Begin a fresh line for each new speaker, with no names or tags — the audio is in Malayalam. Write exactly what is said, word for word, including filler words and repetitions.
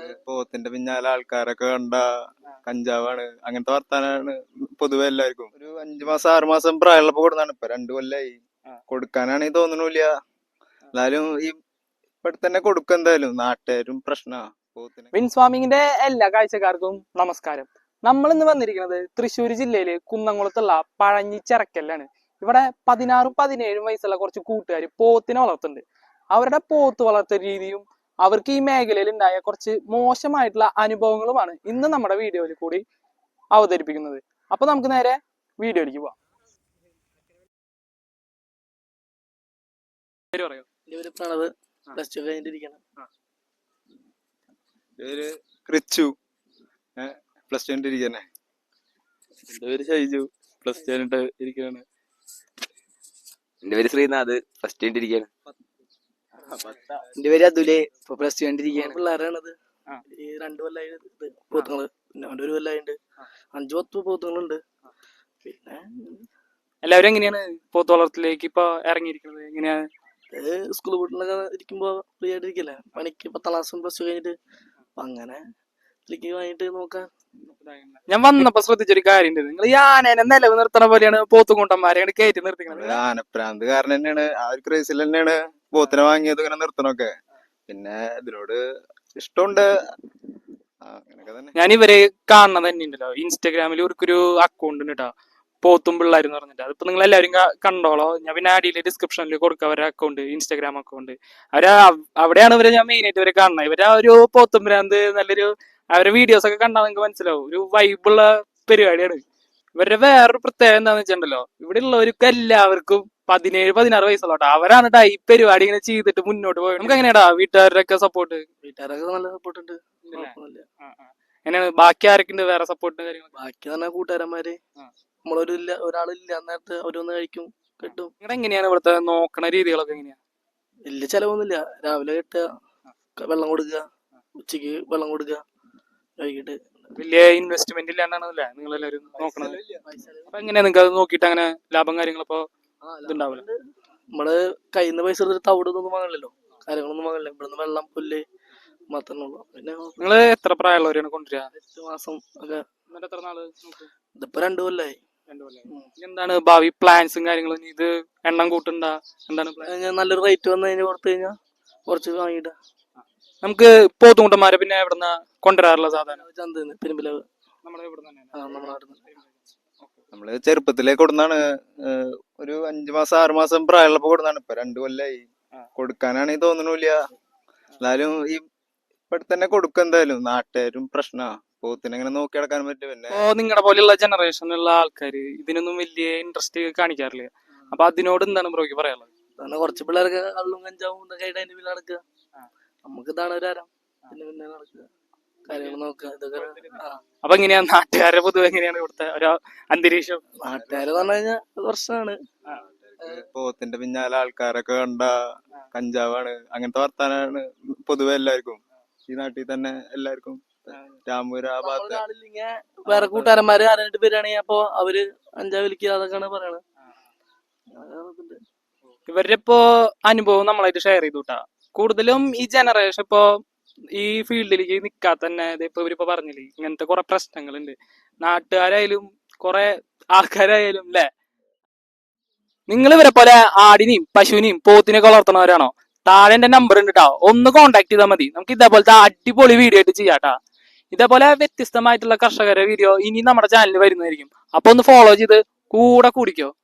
പോത്തിന്റെ പിന്നാലെ ആൾക്കാരൊക്കെ കണ്ട കഞ്ചാവാണ് അങ്ങനത്തെ വർത്താനാണ് പൊതുവെ എല്ലാവർക്കും. ഒരു അഞ്ചു മാസം ആറു മാസം പ്രായമുള്ളപ്പോ കൊടുത്താണ്. ഇപ്പൊ രണ്ടു കൊല്ലായി കൊടുക്കാനാണെങ്കിൽ തോന്നണില്ല. എന്നാലും ഈ ഇപ്പഴ തന്നെ കൊടുക്കും എന്തായാലും. നാട്ടുകാരും പ്രശ്നാ പോത്തിന്.
വിൻസ് ഫാമിങ്ങിന്റെ എല്ലാ കാഴ്ചക്കാർക്കും നമസ്കാരം. നമ്മൾ ഇന്ന് വന്നിരിക്കുന്നത് തൃശ്ശൂർ ജില്ലയില് കുന്നംകുളത്തുള്ള പഴഞ്ഞിച്ചിറക്കലാണ്. ഇവിടെ പതിനാറും പതിനേഴും വയസ്സുള്ള കുറച്ച് കൂട്ടുകാർ പോത്തിനെ വളർത്തുന്നുണ്ട്. അവരുടെ പോത്ത് വളർത്തൽ രീതിയും അവർക്ക് ഈ മേഖലയിൽ ഉണ്ടായ കുറച്ച് മോശമായിട്ടുള്ള അനുഭവങ്ങളുമാണ് ഇന്ന് നമ്മുടെ വീഡിയോയിൽ കൂടി അവതരിപ്പിക്കുന്നത്. അപ്പൊ നമുക്ക് നേരെ വീഡിയോയിലേക്ക് പോവാം.
പ്രണവ് പ്ലസ് ടു കഴിഞ്ഞിരിക്കണം.
ക്രിച്ചു പ്ലസ് ടു കഴിഞ്ഞിരിക്കണേ.
എന്റെ പേര് ഷൈജു പ്ലസ് ടു കഴിഞ്ഞിട്ട് ഇരിക്കാണ്.
എന്റെ പേര് ശ്രീനാഥ് പ്ലസ് ടു കഴിഞ്ഞിരിക്കാണ്.
എന്റെ പേര് അതുലേ ഇപ്പൊ പ്ലസ് ടു കഴിഞ്ഞിരിക്കുകയാണ്. പിള്ളേരാണത്. ഈ രണ്ടു കൊല്ലായി പോത്തുങ്ങള്, പിന്നെ അവന്റെ ഒരു കൊല്ലായിണ്ട്. അഞ്ചു പത്ത് പോത്തുങ്ങളുണ്ട്. പിന്നെ
എല്ലാവരും എങ്ങനെയാണ് പോത്ത് വളർത്തലിലേക്ക് ഇപ്പൊ ഇറങ്ങിയിരിക്കുന്നത്? എങ്ങനെയാ
സ്കൂൾ വീട്ടിലൊക്കെ ഇരിക്കുമ്പോ ഫ്രീ ആയിട്ട് ഇരിക്കല്ലേ, പണിക്ക് പത്താം ക്ലാസ്സും പ്ലസ് ടു കഴിഞ്ഞിട്ട്. അപ്പൊ അങ്ങനെ വാങ്ങിട്ട് നോക്കാം.
ഞാൻ വന്നപ്പോ ശ്രദ്ധിച്ചൊരു കാര്യം, നിങ്ങൾ ഈ ആനേനെ നിലവ് നിർത്തണ പോലെയാണ് പോത്തുകൂട്ടന്മാരെ കയറ്റി നിർത്തിക്കുന്നത്.
ആനപ്രാന്ത് കാരണം തന്നെയാണ്, ആ ഒരു ക്രൈസിൽ തന്നെയാണ് പോത്തിനെ വാങ്ങിയത് ഇങ്ങനെ നിർത്തണൊക്കെ. പിന്നെ ഇതിനോട് ഇഷ്ടമുണ്ട്.
ഞാൻ ഇവരെ കാണുന്നത് തന്നെ ഉണ്ടല്ലോ ഇൻസ്റ്റാഗ്രാമിൽ ഇവർക്കൊരു അക്കൗണ്ട് ഉണ്ട് കേട്ടോ, പോത്തും പിള്ളേർ എന്ന് പറഞ്ഞിട്ട്. അതിപ്പോ നിങ്ങൾ എല്ലാവരും കണ്ടോളോ. ഞാൻ പിന്നെ അടിയിൽ ഡിസ്ക്രിപ്ഷനിൽ കൊടുക്കുക അവരുടെ അക്കൗണ്ട്, ഇൻസ്റ്റാഗ്രാം അക്കൗണ്ട്. അവര് അവിടെയാണ് ഇവരെ ഞാൻ മെയിൻ ആയിട്ട് ഇവരെ കാണുന്നത്. ഇവരെ ഒരു പോത്തും ഭ്രാന്ത് നല്ലൊരു അവരുടെ വീഡിയോസ് ഒക്കെ കണ്ടാൽ നിങ്ങൾക്ക് മനസ്സിലാവും. ഒരു വൈബുള്ള പരിപാടിയാണ്. ഇവരുടെ വേറൊരു പ്രത്യേകത എന്താന്ന് വെച്ചിട്ടുണ്ടല്ലോ, ഇവിടെ ഉള്ളവർക്ക് എല്ലാവർക്കും പതിനേഴ് പതിനാറ് വയസ്സുള്ളോട്ടോ. അവരാണ് ട്ടാ ഈ പരിപാടി ഇങ്ങനെ ചെയ്തിട്ട് മുന്നോട്ട് പോയത്. നമുക്ക് എങ്ങനെയാടാ വീട്ടുകാരുടെ ഒക്കെ സപ്പോർട്ട്?
വീട്ടുകാരൊക്കെ നല്ല സപ്പോർട്ട് ഉണ്ട്.
എങ്ങനെയാണ് ബാക്കി ആരൊക്കെ ഉണ്ട് വേറെ സപ്പോർട്ട് കാര്യങ്ങൾ?
ബാക്കി പറഞ്ഞ കൂട്ടുകാരന്മാര് നമ്മളൊരു ഇല്ല ഒരാളില്ല അന്നേരത്ത് അവരൊന്ന് കഴിക്കും കിട്ടും.
നിങ്ങളുടെ എങ്ങനെയാണ് ഇവിടുത്തെ നോക്കണ രീതികളൊക്കെ എങ്ങനെയാ?
വലിയ ചെലവൊന്നുമില്ല. രാവിലെ കെട്ടുക, വെള്ളം കൊടുക്കുക, ഉച്ചക്ക് വെള്ളം കൊടുക്കുക, വൈകിട്ട്.
വലിയ ഇൻവെസ്റ്റ്മെന്റ് ഇല്ലാണ്ടാണല്ലേ നിങ്ങൾ എല്ലാവരും നോക്കണത്? അപ്പൊ എങ്ങനെയാ നിങ്ങൾക്ക് അത് നോക്കിയിട്ട് അങ്ങനെ ലാഭം കാര്യങ്ങളപ്പോ ഇതുണ്ടാവില്ല?
നമ്മള് കയ്യിൽ നിന്ന് പൈസ എടുത്തിട്ട് തവിടൊന്നും വാങ്ങില്ലല്ലോ, കാര്യങ്ങളൊന്നും വാങ്ങില്ല. ഇവിടുന്ന് വെള്ളം പുല്ല് മാത്രമേ ഉള്ളൂ. പിന്നെ
നിങ്ങള് എത്ര പ്രായമുള്ളവരെയാണ് കൊണ്ടുവരിക?
എട്ട് മാസം ഒക്കെ.
എത്ര നാള്?
ഇതിപ്പോ രണ്ടു കൊല്ലായി.
എന്താണ് ഭാവി പ്ലാൻസും കാര്യങ്ങളും? ഇത് എണ്ണം കൂട്ടണ്ട എന്താണ്?
നല്ലൊരു റേറ്റ് വന്നു കഴിഞ്ഞാൽ കൊടുത്തു കഴിഞ്ഞാൽ കുറച്ച് വാങ്ങിയിട്ട.
നമുക്ക് പോത്തുകൂട്ടന്മാരെ പിന്നെ എവിടുന്ന കൊണ്ടുവരാറുള്ള സാധാരണ?
ചന്തന്ന് പെരുമ്പിലാവ്.
നമ്മുടെ ഇവിടെ തന്നെ
നമ്മള് ചെറുപ്പത്തിലേക്ക് കൊടുന്നാണ്. ഒരു അഞ്ചു മാസം ആറു മാസം പ്രായമുള്ളപ്പോ കൊടുന്നാണ്. ഇപ്പൊ രണ്ടു കൊല്ലായി കൊടുക്കാനാണെങ്കിൽ തോന്നണില്ല. എന്നാലും ഈ ഇപ്പഴ തന്നെ കൊടുക്കും എന്തായാലും. നാട്ടുകാരും പ്രശ്നാ പോത്തിനെ ഇങ്ങനെ നോക്കി നടക്കാൻ പറ്റും. പിന്നെ
നിങ്ങളുടെ പോലെയുള്ള ജനറേഷനിലുള്ള ആൾക്കാര് ഇതിനൊന്നും വലിയ ഇൻട്രസ്റ്റ് കാണിക്കാറില്ല. അപ്പൊ അതിനോട് എന്താണ് ബ്രോയ്ക്ക് പറയാനുള്ളത്?
കുറച്ച് പിള്ളേർക്ക് കള്ളും കഞ്ചാവും ഇതൊക്കെ ആയിട്ട് അതിന്റെ പിന്നിൽ നടക്കുക. നമുക്ക് ഇതാണ് ഒരു ആരം. പിന്നെ പിന്നെ നടക്കുക, കാര്യങ്ങൾ നോക്കുക, ഇതൊക്കെ.
അപ്പൊ എങ്ങനെയാ നാട്ടുകാരെ പൊതുവെ എങ്ങനെയാണ് ഇവിടുത്തെ ഒരു അന്തരീക്ഷം?
നാട്ടുകാരെന്ന് പറഞ്ഞു കഴിഞ്ഞാൽ പ്രശ്നമാണ്.
പോത്തിന്റെ പിന്നാലെ ആൾക്കാരൊക്കെ കണ്ട കഞ്ചാവാണ് അങ്ങനത്തെ വർത്താനാണ് പൊതുവെ എല്ലാവർക്കും ഈ നാട്ടിൽ തന്നെ എല്ലാവർക്കും. രാമൂര് ആ ഭാഗത്ത്
വേറെ കൂട്ടുകാരന്മാര് ആരായിട്ട് വരികയാണെങ്കിൽ അപ്പൊ അവര് അഞ്ചാവ് വിളിക്കുക, അതൊക്കെയാണ് പറയണത്.
ഇവരുടെ ഇപ്പോ അനുഭവം നമ്മളായിട്ട് ഷെയർ ചെയ്തുട്ടാ. കൂടുതലും ഈ ജനറേഷൻ ഇപ്പോ ഈ ഫീൽഡിലേക്ക് നിക്കാത്ത തന്നെ ഇപ്പൊ ഇവരിപ്പോ പറഞ്ഞില്ലേ ഇങ്ങനത്തെ കുറെ പ്രശ്നങ്ങളുണ്ട്. നാട്ടുകാരായാലും കുറെ ആൾക്കാരായാലും അല്ലെ. നിങ്ങൾ ഇവരെ പോലെ ആടിനെയും പശുവിനെയും പോത്തിനെയൊക്കെ വളർത്തുന്നവരാണോ? താഴെ എന്റെ നമ്പർ ഉണ്ട് കേട്ടോ, ഒന്ന് കോൺടാക്ട് ചെയ്താൽ മതി. നമുക്ക് ഇതേപോലത്തെ അടിപൊളി വീഡിയോ ആയിട്ട് ചെയ്യാട്ടാ. ഇതേപോലെ വ്യത്യസ്തമായിട്ടുള്ള കർഷകരുടെ വീഡിയോ ഇനി നമ്മുടെ ചാനലിൽ വരുന്നതായിരിക്കും. അപ്പൊ ഒന്ന് ഫോളോ ചെയ്ത് കൂടെ കൂടിക്കോ.